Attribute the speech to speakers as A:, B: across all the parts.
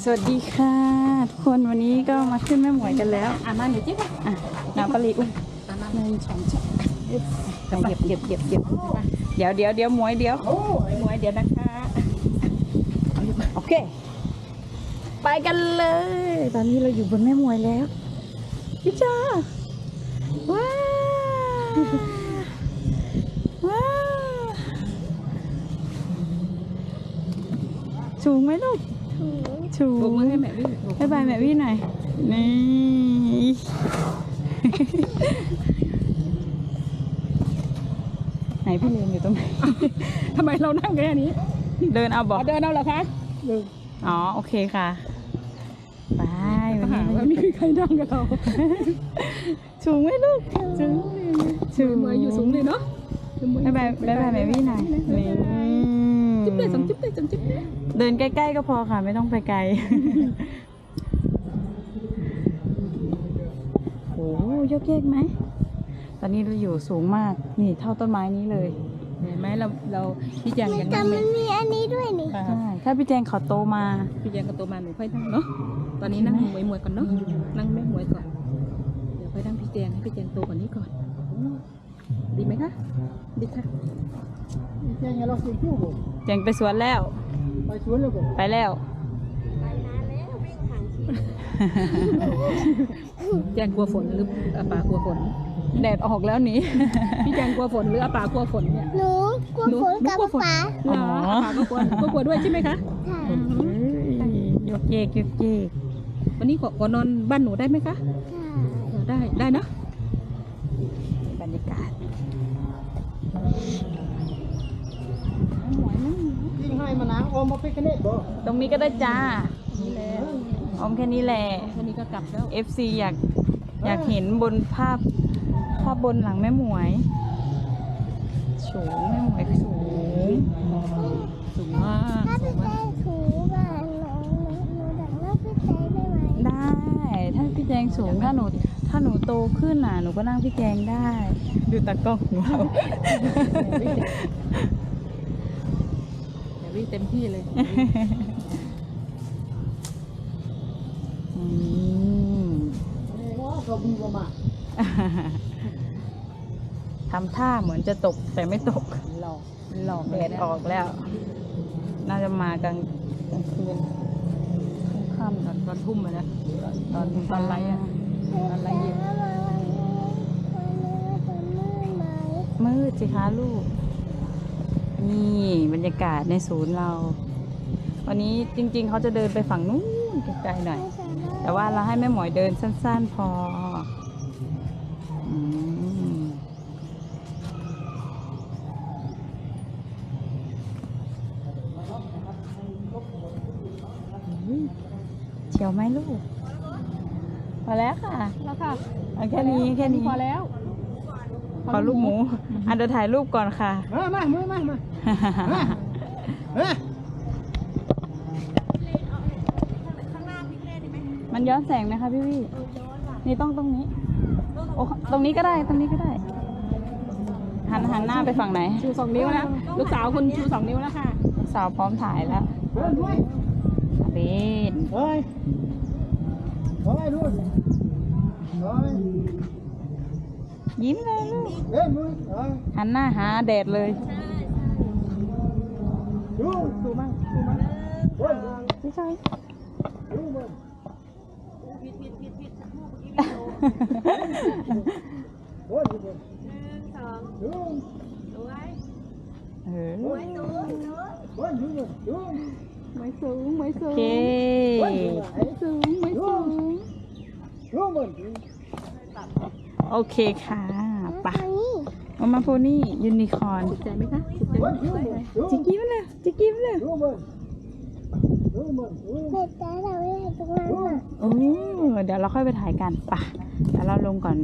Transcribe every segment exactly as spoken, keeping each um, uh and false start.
A: สวัสดีค่ะทุกคนวันนี้ก็มาขึ้นแม่หมวยกันแล้วอ่ะมาหนูจิ๊บอ่ะน้ำปลาลีอุ้ยหนึ่งสองสามเก็บเก็บเก็บเก็บเดี๋ยวเดี๋ยวเดี๋ยวหมวยเดี๋ยวหมวยเดี๋ยวนะคะโอเคไปกันเลยตอนนี้เราอยู่บนแม่หมวยแล้วพี่จ้าว้าวว้าวสูงไหมลูกชูมือให้แม่วี่ให้บายแม่วี่หน่อยนี่ไหนพี่เลนอยู่ตรงไหนทำไมเรานั่งแค่นี้เดินเอาบอกเดินเอาเหรอคะอ๋อโอเคค่ะไปวันนี้วันนี้ใครนั่งกับเราสูงไหมลูกสูงสูงมืออยู่สูงเลยเนาะให้บายให้บายแม่วี่หน่อยนี่จิ๊บเลยสองจิ๊บเลยสองจิ๊บเดินใกล้ๆก็พอค่ะไม่ต้องไปไกลโอ้ยกเยกไหมตอนนี้เราอยู่สูงมากนี่เท่าต้นไม้นี้เลยเห็นไหมเราเราพี่แจงยังนั่งไม่
B: มันมีอันนี้ด้วยนี่
A: ใช่ถ้าพี่แจงเขาโตมา
B: พี่แจงเขาโตมาหนูค่อยนั่งเนาะตอนนี้นั่งมวยมวยก่อนเนาะนั่งแม่มวยก่อนเดี๋ยวค่อยนั่งพี่แจงให้พี่แจงโตกว่านี้ก่อนดีไหมคะดีค่ะ
C: แจงเราสิคิวบ่
A: แจงไปสวนแล้ว
C: ไปสวนแล้วบ่
A: ไปแล้ว
B: แจงกลัวฝนหรืออาปากลัวฝน
A: แดดออกแล้วนี้
B: พี่แจงกลัวฝนหรืออาปากลัวฝนเนี่ย
D: หนูกลัวฝนกับป๋า
B: เหรออาปาก็กลัวก็กลัวด้วยใช่ไหมคะ
A: ยกเยกยกเยก
B: วันนี้ขอนอนบ้านหนูได้ไหมคะได้ได้นะ
A: บรรยากาศ
C: ยิงให้มานะออมมาไปกันนี่บ่
A: ตรงนี้ก็ได้จ้าออมแค่นี้แหละ
B: แค่นี้ก็กลับแล้ว
A: เอฟ ซี อยากอยากเห็นบนภาพภาพบนหลังแม่หมวยสูงแม่หมวยสูงสูงมาก
D: ถ้าพี่แจงถูบ้านหนูหนูดังนั่งพี่แจงได้ไหม
A: ได้ถ้าพี่แจงสูงถ้าหนูถ้าหนูโตขึ้นน่ะหนูก็นั่งพี่แจงได้ดูตากล้องของเรา
B: อย่าวิ่งเต็มที่เลย
A: ทำท่าเหมือนจะตกแต่ไม่ตก
B: หลอก
A: หลอกแดดออกแล้วน่าจะมากลางกลางคืนค่ำตอนตอนทุ่มเลยนะตอนตอนไรอ่ะตอนไรเย็นมืดสิคะลูกนี่บรรยากาศในศูนย์เราวันนี้จริงๆเขาจะเดินไปฝั่งนู้นไกลๆหน่อยแต่ว่าเราให้แม่หมวยเดินสั้นๆพอเฉียวไหมลูกพอแล้วค่ะ
B: แล้วค่ะ
A: แค่นี้แค่นี้
B: พอแล้ว
A: ขอลูกหมูอ่ะเดี๋ยวถ่ายรูปก่อนค่ะ
C: มามามือมามา
A: มันย้อนแสงไหมคะพี่วี่นี่ต้องตรงนี้โอ้ตรงนี้ก็ได้ตรงนี้ก็ได้หันหันหน้าไปฝั่งไหน
B: ชูสองนิ้วนะลูกสาวคุณชูสองนิ้วแล้วค่ะ
A: ลูกสาวพร้อมถ่ายแล้วเบน
C: เฮ้ยเฮ้ยดูเฮ้ย
A: ยิ้มเลยลูก
C: เฮ้ยมือ
A: หันหน้าหาแดดเลย
C: ดูดูมั่งดูมั่งโอ้ย
A: พี่ชาย
C: ดูมั่ง
B: ผิดผิดผิดผิด
C: โอ้ยดูมั่ง
B: หนึ่งสอง
C: ดู
B: สวย
A: เออ
B: สวยสูง
C: โอ้ยดูมั่งดู
B: ไม่สูงไม่สูง
A: ไม่
B: สูงไม่สูง
C: ดูมั่ง
A: โอเคค่ะปะมามาโพนี่ยูนิคอร์น
B: ถูกใจไหมคะถูกใจไหม
A: จิกกี้มาเลยจิกกี้มาเลย
C: ดูมั่งดูมั่ง
D: เด็กแต่เราไม่ได้ตรงนั้นอ่ะ
A: โอ้เดี๋ยวเราค่อยไปถ่ายกันปะเดี๋ยวเราลงก่อน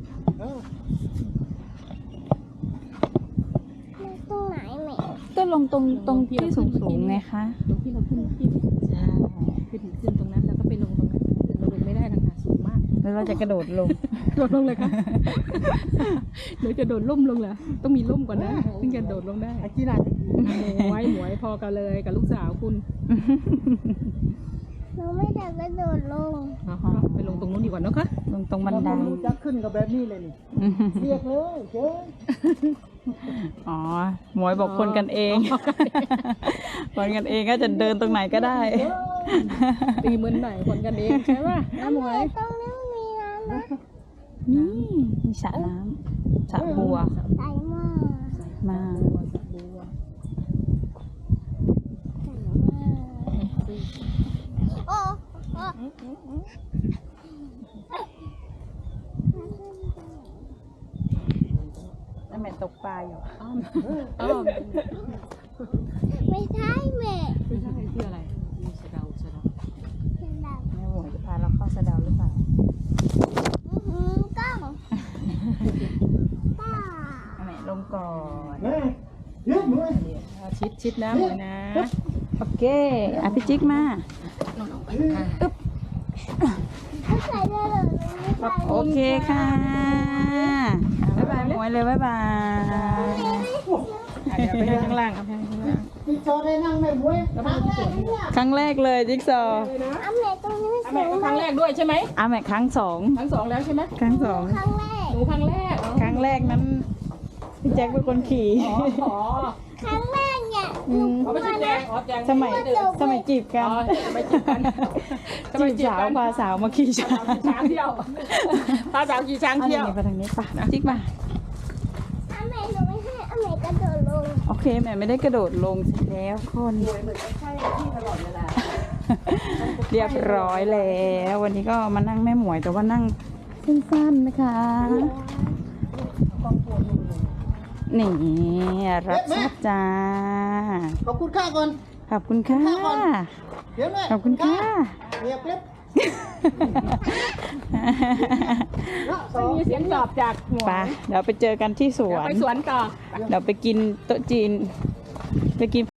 D: ตรงไหนแม่
A: ก็ลงตรงตรงที่สูงสูงไงคะ
B: ตรงที่เราขึ้นที่
A: ใช่
B: ขึ้นขึ้นตรงนั้นแล้วก็ไปลงตรงนั้นเราลงไม่ได้นะคะสูงมาก
A: แล้วเราจะกระโดดลง
B: โดดลงเลยค่ะหนูจะโดดล่มลงเหรอต้องมีล่มก่อนนะถึงจะโดดลงได้
C: ไอ้จีน่า
B: หมวยหมวยพอกันเลยกับลูกสาวคุณ
D: หนูไม่อยากกระโดดลง
B: เอาไปลงตรงนู้นดีกว่าเนอะคะ
A: ลงตรงบันได
C: รู้จักขึ้นกับแบบนี้เลยนี่เรียกเลยเจ้ย
A: อ๋อหมวยบอกคนกันเอง คนกันเองก็จะเดินตรงไหนก็ได้
B: ตีมือหน่อยคนกันเองใช่ป่ะน้าหมวย
D: ตรงนี้มีน้ำนะ
A: นี่มีสระน้ำสระบัว
D: ใสมาก
A: มา
B: บัว
D: ใสมากโอ้โอ้
A: แล้วแม่ตกปลาอยู่
B: อ้อมอ้อม
D: ไม่ใช่แม่
B: ไม่ใช่ที่อะไรมีสะเดาสะเดา
D: เป็นแบบ
A: แม่หมวยจะพาเราเข้าสะเดาหรือเปล่า
D: อื้อหือกล้องป้า
A: เอาแม่ลงก่อน
C: แม่เรียกหน่อย
B: เอาชิดชิดน้าหมวยนะ
A: โอเคอ่ะพี่จิ๊กมา
D: ไม่ใส่ได้เลยไม่ใส่
A: โอเคค่ะบ๊ายบายหมวยเลยบ๊ายบาย
B: เดี๋ยวไปให้ข้างล่างเอาไปให้ข้างล่าง
C: พี่จอได้นั่งแม่บุ้ยทางแรกเนี่ย
A: ครั้งแรกเลยจิ๊กซอว์
D: อันไหนตรงนี้
B: เอา
D: สู
B: แม่
D: ง
B: ก็
D: ไหม
B: ครั้งแรกด้วยใช่ไหม
A: อ่ะแม่ครั้งสอง
B: ครั้งสองแล้วใช่ไหม
A: ครั้งสอง
D: ครั้งแรก
B: หนูครั้งแรกอ๋อ
A: ครั้งแรกนั้นพี่แจ็คเป็นคนขี่
B: อ๋อ
D: ครั้งแรกเนี่ย
A: อืม
B: เขาไม่ใช่แจงอ๋อแจง
A: สมัยสมัยจีบกั
B: อ๋
A: น
B: อไม่จีบกัน
A: จีบสาวพาสาวมาขี่ช้าง
B: ช้างเที่ยวพาสาวขี่ช้าง
A: อัน
B: เที่
A: นี้
B: ยว
A: ไปทางนี้ป่ะจิ๊กมา
D: อันไหนหนูไม่ให้อันไหนกระโดดลง
A: โอเคแม่ไม่ได้กระโดดลงเสร็จแล้วคน เรียบร้อยแล้ว วันนี้ก็มานั่งแม่หมวยแต่ว่านั่งสั้นๆนะคะ นี่รับทราบจ้า
C: ขอบคุณค่าก่อน
A: ขอบคุณค่ะ
C: เดี๋ยวแม่
A: ขอบคุณค่ะ
C: เรียกเล็บ
B: ไม่มีเสียงตอบจากหัว
A: ไปเดี๋ยวไปเจอกันที่สว
B: เดี๋ยวน ไปสวนต่อ
A: เดี๋ยวไปกินโต๊ะจีน ไปกิน